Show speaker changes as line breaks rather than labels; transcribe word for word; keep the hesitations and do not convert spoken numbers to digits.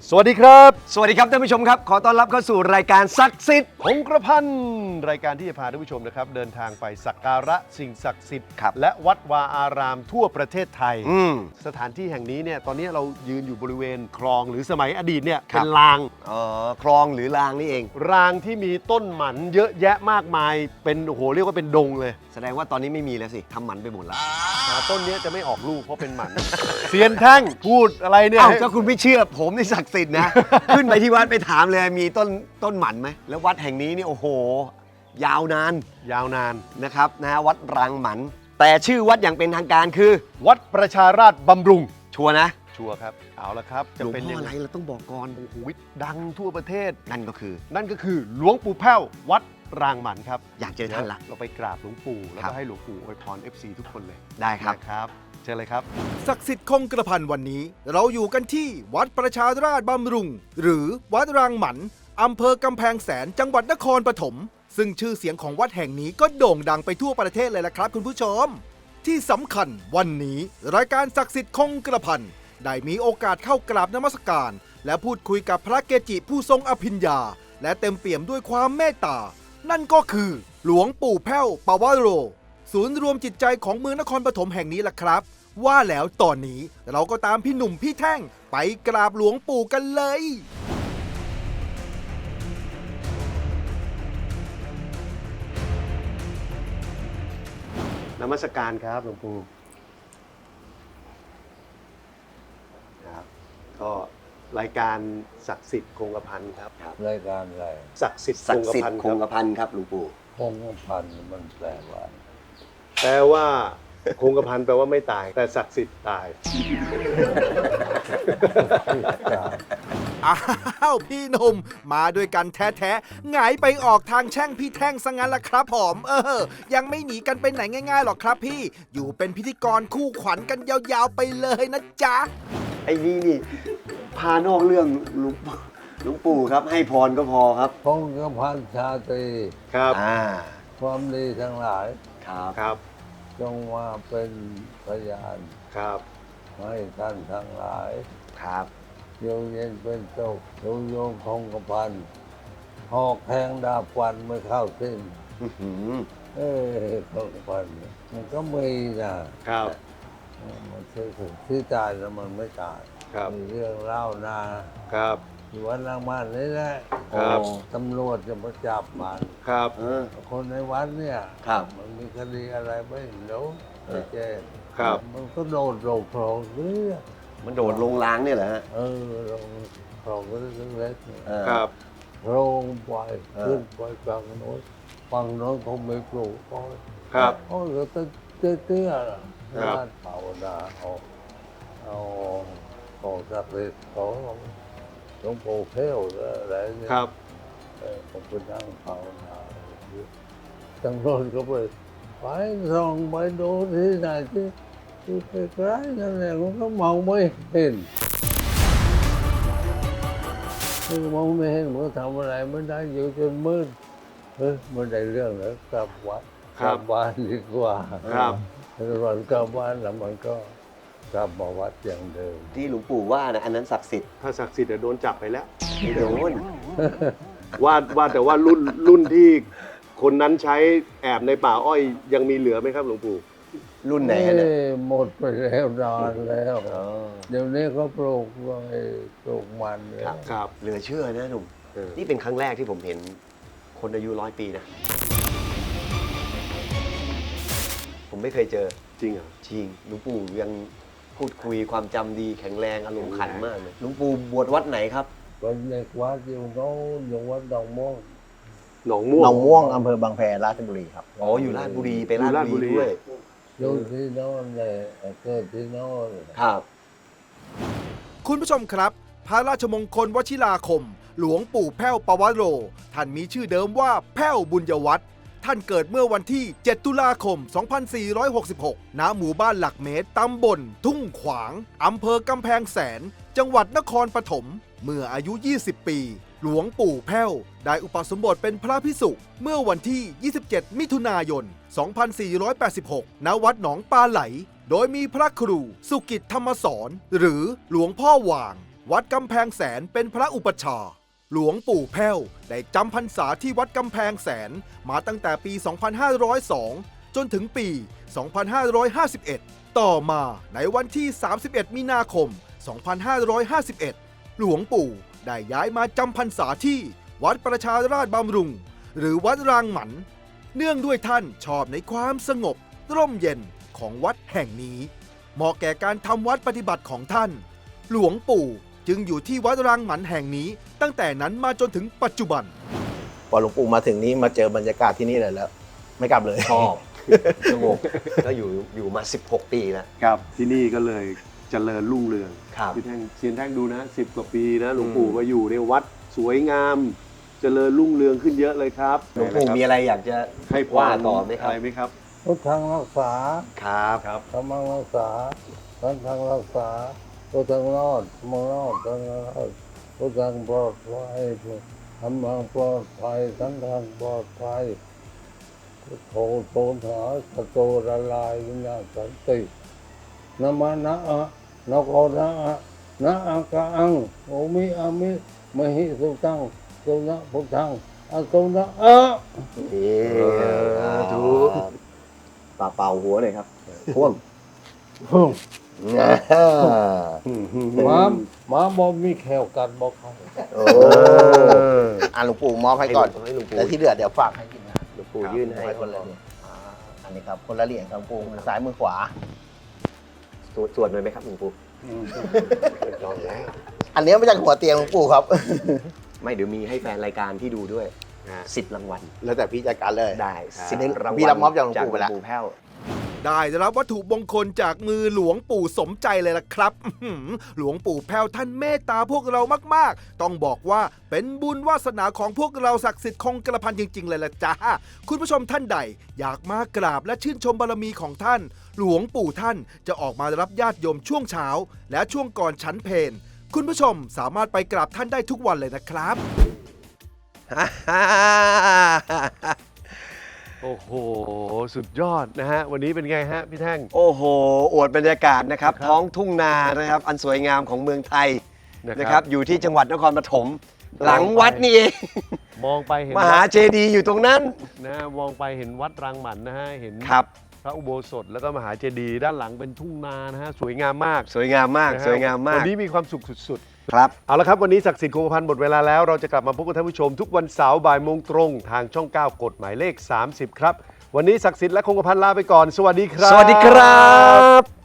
สวัสดีครับ
สวัสดีครับท่านผู้ชมครับขอต้อนรับเข้าสู่รายการศักดิ์สิทธิ์
คงกระพันรายการที่จะพาท่านผู้ชมนะครับเดินทางไปสักการะสิ่งศักดิ์สิทธิ์และวัดวาอารามทั่วประเทศไทยสถานที่แห่งนี้เนี่ยตอนนี้เรายืนอยู่บริเวณคลองหรือสมัยอดีตเนี่ยเป็นราง
อ๋อคลองหรือรางนี่เอง
รางที่มีต้นหมันเยอะแยะมากมายเป็นโอ้โหเรียกว่าเป็นดงเลย
แสดงว่าตอนนี้ไม่มีแล้วสิทำหมันไปหมดแล้ว
ต้นนี้จะไม่ออกลูกเพราะเป็นหมันเซียนแท่งพูดอะไรเนี่ย
เอ้าถ้าคุณไม่เชื่อผมนี่ศักดิ์สิทธิ์นะ ขึ้นไปที่วัดไปถามเลยมีต้นต้นหมันไหมแล้ววัดแห่งนี้นี่โอ้โหยาวนาน
ยาวนาน
นะครับนะวัดรางหมันแต่ชื่อวัดอย่างเป็นทางการคือ
วัดประชาราษฎร์บำรุง
ชัวร์นะ
ชัวร์ครับเอาละครับ
จะเป็นยังไงเราต้องบอกก่อน
โอ้โหดังทั่วประเทศ
นั่นก็คือ
นั่นก็คือหลวงปู่แพ้ววัดรางหมันครับ
อยากเจอท่านละ
เราไปกราบหลวงปู่แล้วก็ให้หลวงปู่อวยพร เอฟ ซี ทุกคนเลย
ได้ครับ
ครับเชิญเลยครับ
ศักดิ์สิทธิ์คงกระพันวันนี้เราอยู่กันที่วัดประชาราษฎร์บำรุงหรือวัดรางหมันอำเภอกำแพงแสนจังหวัดนครปฐมซึ่งชื่อเสียงของวัดแห่งนี้ก็โด่งดังไปทั่วประเทศเลยละครับคุณผู้ชมที่สำคัญวันนี้รายการศักดิ์สิทธิ์คงกระพันได้มีโอกาสเข้ากราบนมัสการและพูดคุยกับพระเกจิผู้ทรงอภิญญาและเต็มเปี่ยมด้วยความเมตตานั่นก็คือหลวงปู่แพ้วปวโรศูนย์รวมจิตใจของเมืองนครปฐมแห่งนี้ล่ะครับว่าแล้วตอนนี้เราก็ตามพี่หนุ่มพี่แท่งไปกราบหลวงปู่กันเลย
นมัสการครับหลวงปู่ครับก็รายการศักดิ์สิทธิ์คงกระพันครับ
รายการอะไร
ศักดิ์สิทธิ์
ศักดิ์สิทธิ์คงกระพันครับหลวงปู่
คงกระพันมันแปลว่า
แปลว่าคงกระพันแปลว่าไม่ตายแต่ศักดิ์สิทธิ์ตาย
อ้าวพี่หนุ่มมาด้วยกันแท้ๆหงายไปออกทางแช่งพี่แท่งซะงั้นล่ะครับผมเออยังไม่หนีกันไปไหนง่ายๆหรอกครับพี่อยู่เป็นพิธีกรคู่ขวัญกันยาวๆไปเลยนะจ๊ะ
ไอ้นี่นี่พานอกเรื่องหลวงหลวงปู่ครับให้พรก็พอครับ
คงกระพันชาตรี
ครับ
อ่า
ความดีทั้งหลาย
ครับ
ครับ
จงมาเป็นพยาน
ครับ
ให้ท่านทั้งหลาย
ครับ
โยงเย็นเป็นโตกโยงโยงคงกระพันหอกแทงดาบฟันไม่เข้าสิ้นเออคงกระพันมันก็มีนะครับมันคือที่ตายแล้วมันไม่ตายมีเรื่องเล่านา
ครับ
อยู่วัดรางมันนี่แหละตำรวจจะมาจับมัน
ครับ
คนในวัดเนี่ยมันมีคดีอะไรไม่รู้ไม่แจ้งมันก็โดดลงคลองเนี่ย
มันโดดลงล้างเนี่ยเหรอฮะ
เออลงคลองก็เล็ก
ๆครับ
ลงไปขึ้นไปฝั่งโน้นฝั่งโน้นเขาไม่ปลูกก็
ครับ
เขาก็เตี้ยๆร้านเผาดาเอาเอาของศักดิ์สิทธิ์ของหลวงปู่แพ้วอะไรเนี่ย
ครับ
เออผมไปนั่งภาวนาจังรถก็ไปไปส่องไปดูที่ไหนที่ที่ใกล้ๆนั่นแหละมันก็มองไม่เห็นมันมองไม่เห็นมันทำอะไรไม่ได้อยู่จนมืดเฮ้ยไม่ได้เรื่องแล้วกลับวัดกลับบ้านดีกว่า
ครับ
วันกลับบ้านแล้วมันก็กลับมาวัดอย่างเดิม
ที่หลวงปู่ว่านะอันนั้นศักดิ์สิทธิ์
ถ้าศักดิ์สิทธิ์โดนจับไปแล้ว
ไม่โดน
ว่าว่าแต่ว่ารุ่นรุ่นที่คนนั้นใช้แอบในป่าอ้อยยังมีเหลือไหมครับหลวงปู่
รุ่นไหนเนี่ย
หมดไปแล้วนานแล้วเดี๋ยวนี้เขาปลูกไว้ปลูกมัน
ครับ
เหลือเชื่อนะหนุ่มนี่เป็นครั้งแรกที่ผมเห็นคนอายุร้อยปีนะผมไม่เคยเจอ
จริงเหรอ
จริงหลวงปู่ยังพูดคุยความจำดีแข็งแรงอารมณ์ขันมากเลยหลวงปู่บวชวัดไหนครับ
วัดเล็กวัดอยู่โน้นอยู่วัดหนองม่วง
หนองม่วง
หนองม่วงอำเภอบางแพราชบุรีครับ
อ๋ออยู่ราชบุรีไปราชบุรีด้วย
อยู่ที่โน้นเลยเกิดที่โน้น
ครับ
คุณผู้ชมครับพระราชมงคลวชิราคมหลวงปู่แพ้วปวโรท่านมีชื่อเดิมว่าแพ้วบุญยวัฒน์ท่านเกิดเมื่อวันที่เจ็ดตุลาคมสองพันสี่ร้อยหกสิบหกณหมู่บ้านหลักเมตรตำบลทุ่งขวางอำเภอกำแพงแสนจังหวัดนครปฐมเมื่ออายุยี่สิบปีหลวงปู่แพ้วได้อุปสมบทเป็นพระภิกษุเมื่อวันที่ยี่สิบเจ็ดมิถุนายนสองพันสี่ร้อยแปดสิบหกณวัดหนองปลาไหลโดยมีพระครูสุกิจธรรมสอนหรือหลวงพ่อหว่างวัดกำแพงแสนเป็นพระอุปัชฌาย์หลวงปู่แพ้วได้จำพรรษาที่วัดกำแพงแสนมาตั้งแต่ปี สองพันห้าร้อยสอง จนถึงปี สองพันห้าร้อยห้าสิบเอ็ด ต่อมาในวันที่ สามสิบเอ็ด มีนาคม สองพันห้าร้อยห้าสิบเอ็ด หลวงปู่ได้ย้ายมาจำพรรษาที่วัดประชาราษฎร์บำรุง หรือวัดรางหมัน เนื่องด้วยท่านชอบในความสงบร่มเย็นของวัดแห่งนี้เหมาะแก่การทำวัดปฏิบัติของท่าน หลวงปู่จึงอยู่ที่วัดรางหมันแห่งนี้ตั้งแต่นั้นมาจนถึงปัจจุบัน
พอหลวงปู่มาถึงนี้มาเจอบรรยากาศที่นี่เลยแล้ว ไม่กลับเลย
ชอบสงบก็อยู่อยู่มาสิบหกปีแล้ว
ครับที่นี่ก็เลยเจริญรุ่งเรือง
ครับ
พี่แท่งเซียนแท่งดูนะสิบกว่าปีนะหลวงปู่มาอยู่ในวัดสวยงาม เจริญรุ่งเรืองขึ้นเยอะเลยครับ
หลวงปู่มีอะไรอยากจะ
ให้พร
ว่าต่อไหมครับ
อะไรไหมครับ
พุทธังรักษา
ครับ
ครับ
ธรรมังรักษาสังฆังรักษาพุทธังรอดธรรมังรอดสังฆังรอดพุทธังปลอดภัยธรรมังปลอดภัยสังฆังปลอดภัยพุทโธโตถาสโตละลายวิญญาณสันตินะมะนะอะนะโกนะอะนะอากะอังโอมิอามิมหิสุตังสุนะพุทธังอสุนะอะ
นี่ถูก
ป่าเป่าหัวเลยครับพ่วง
หมาหมาบ่มีแขวกัดบ่เขา
โอ้อ่ะหลวงปู่มอบให้ก่อน
ให้หลวงปู่
แล้วที่เหลือเดี๋ยวฝากให้กินนะ
หลวงปู่ยื่นให้
คนละเหรียญอ่าอันนี้ครับคนละเหรียญครับหลวงปู่มือซ้ายมือขวา
สวดสวดหน่อยไหมครับหลวงปู่ลองแล้ว
อันนี้มาจากหัวเตียงหลวงปู่ครับ
ไม่เดี๋ยวมีให้แฟนรายการที่ดูด้วยสิบรางวัล
แล้วแต่พี่จัดการเลย
ได้
สิ
สิ
บบ
รางวัล
พี่รับมอบจากหลวงปู่ไปแล้ว
หลวงปู่แพ้ว
ได้รับวัตถุมงคลจากมือหลวงปู่สมใจเลยล่ะครับอื้อหือหลวงปู่แพ้วท่านเมตตาพวกเรามากๆ ต้องบอกว่าเป็นบุญวาสนาของพวกเราศักดิ์สิทธิ์คงกระพันจริง ๆ เลยล่ะจ้าคุณผู้ชมท่านใด อยากมากราบและชื่นชมบารมีของท่าน หลวงปู่ท่านจะออกมารับญาติโยมช่วงเช้า และช่วงก่อนฉันเพลคุณผู้ชมสามารถไปกราบท่านได้ทุกวันเลยนะครับ
โอ้โห สุดยอดนะฮะ วันนี้เป็นไงฮะพี่แท่ง
โอ้โห อวดบรรยากาศนะครับ
ครับ
ท้องทุ่งนานะครับ อันสวยงามของเมืองไทย
นะครับ
นะครับ อยู่ที่จังหวัดนครปฐม หลังวัดนี่เอง
มองไปเห็น
มหาเจดีย์อยู่ตรงนั้น
นะฮะมองไปเห็นวัดรังหมันนะฮะ เห็น
ครับ
พระอุโบสถแล้วก็มหาเจดีย์ด้านหลังเป็นทุ่งนานะฮะ สวยงามมาก
สวยงามมาก
นะฮะ
สวยงามมา
วั
ก
นนี้มีความสุขสุด
ครับ
ๆ เอาละครับ วันนี้ศักดิ์สิทธิ์คงกระพันหมดเวลาแล้ว เราจะกลับมาพบกับท่านผู้ชมทุกวันเสาร์บ่ายโมงตรงทางช่อง เก้ากฎหมายเลข สามสิบ ครับ วันนี้ศักดิ์สิทธิ์และคงกระพันลาไปก่อน สวัสดีครับ
สวัสดีครับ